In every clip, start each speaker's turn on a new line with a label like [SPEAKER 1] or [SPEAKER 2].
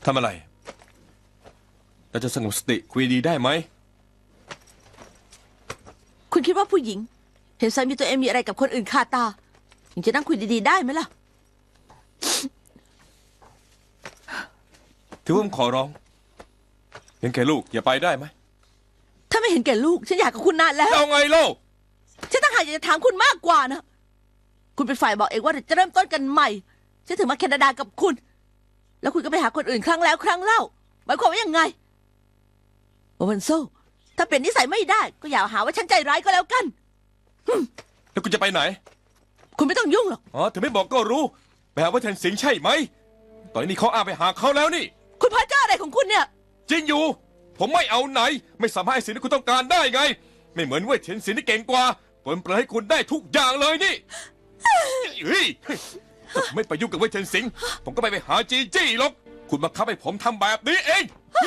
[SPEAKER 1] ทำอะไรเราจะสงบสติคุยดีได้ไหม
[SPEAKER 2] คุณคิดว่าผู้หญิงเห็นสามีตัวเองมีอะไรกับคนอื่นคาตายังจะนั่งคุยดีๆได้ไหมล่ะ
[SPEAKER 1] ถือว่าผมขอร้องเห็นแก่ลูกอย่าไปได้ไหม
[SPEAKER 2] ถ้าไม่เห็นแก่ลูกฉันอยากกับคุณนานแล้ว
[SPEAKER 1] เอาไงเล่า
[SPEAKER 2] ฉันต่างหากอยากจะถามคุณมากกว่านะคุณเป็นฝ่ายบอกเองว่าจะเริ่มต้นกันใหม่ฉันถึงมาแคนาดากับคุณแล้วคุณก็ไปหาคนอื่นครั้งแล้วครั้งเล่าหมายความว่ายังไงโอวันโซถ้าเป็นนิสัยไม่ได้ก็อย่าหาว่าฉันใจร้ายก็แล้วกัน
[SPEAKER 1] แล้วคุณจะไปไหน
[SPEAKER 2] คุณไม่ต้องยุ่งหรอก
[SPEAKER 1] อ๋อถึงไม่บอกก็รู้ไปหาว่าเทนสิงห์ใช่ไหมตอนนี้เขาอ้างไปหาเขาแล้วนี่
[SPEAKER 2] คุณพระเจ้าอะไรของคุณเนี่ย
[SPEAKER 1] จริงอยู่ผมไม่เอาไหนไม่สามารถให้สิ่งที่คุณต้องการได้ไงไม่เหมือนเว่ยเทนสิงห์ที่เก่งกว่าปลนเปลือยให้คุณได้ทุกอย่างเลยนี่เฮ้ยถ้าผมไม่ไปยุ่งกับเว่ยเทนสิงห์ผมก็ไปหาจีจี้หรอกคุณบังคับให้ผมทำแบบนี้เอง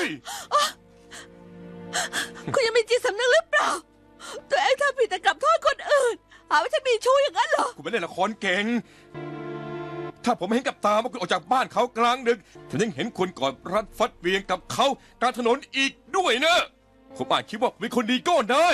[SPEAKER 2] คุณยังมีจิตสำนึกหรือเปล่าตัวเองทำผิดแต่กลับโทษคนอื่นหาว่าฉันมีชู้อย่างนั้นเหรอ
[SPEAKER 1] คุณไม่เล่นละครเก่งถ้าผมเห็นกับตาว่าคุณออกจากบ้านเขากลางดึกผมยังเห็นคุณกอดรัดฟัดเวียงกับเขากลางถนนอีกด้วยนะผมอาจคิดว่าเป็นคนดีก็ได้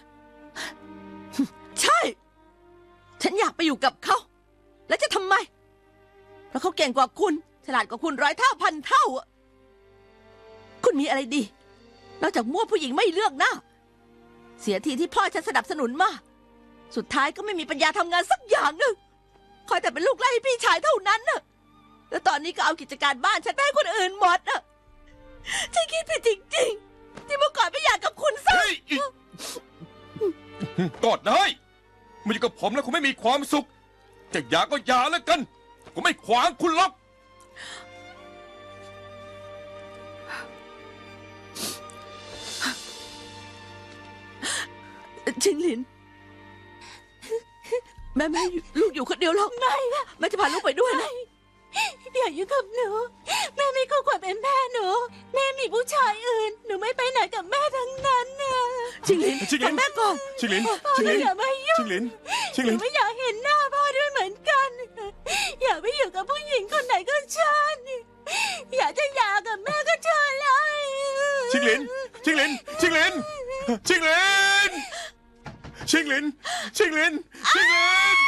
[SPEAKER 2] ใช่ฉันอยากไปอยู่กับเขาแล้วจะทำไมเพราะเขาเก่งกว่าคุณฉลาดกว่าคุณ100 เท่าพันเท่าคุณมีอะไรดีนอกจากมั่วผู้หญิงไม่เลือกหน้าเสียทีที่พ่อฉันสนับสนุนมาสุดท้ายก็ไม่มีปัญญาทำงานสักอย่างหนึ่งคอยแต่เป็นลูกไล่ให้พี่ชายเท่านั้นน่ะแล้วตอนนี้ก็เอากิจการบ้านฉันไปให้คนอื่นหมดน่ะฉันคิดผิดจริงๆที่เมื่อก่อนไม่อยากกับคุณซะ
[SPEAKER 1] กอดได้มาอยู่กับผมแล้วคุณไม่มีความสุขจะอยากก็อย่าแล้วกันผมไม่ขวางคุณหรอก
[SPEAKER 2] ชิงหลินแม่ลูกอยู่คนเดียวหรอกไม่แม่จะพาลูกไปด้วยนะ
[SPEAKER 3] อย่ายุ่งกับหนูแม่ไม่คู่ควรเป็นแม่หนูแม่มีผู้ชายอื่นหนูไม่ไปไหนกับแม่ทั้งนั้นนะ
[SPEAKER 2] ชิงหลินฟังแม่ก่อน
[SPEAKER 1] ชิงหลิน
[SPEAKER 3] อย่ามายุ่ง
[SPEAKER 1] ชิงหลิน
[SPEAKER 3] หนูไม่อยากเห็นหน้าพ่อด้วยเหมือนกันอย่าไปอยู่กับผู้หญิงคนไหนก็เชิญอยากจะหย่ากับแม่ก็เชิญเลย
[SPEAKER 1] ชิงหลินชิงหลินชิงหลินชิงหลินชิงหลินชิงหลินชิงหลิน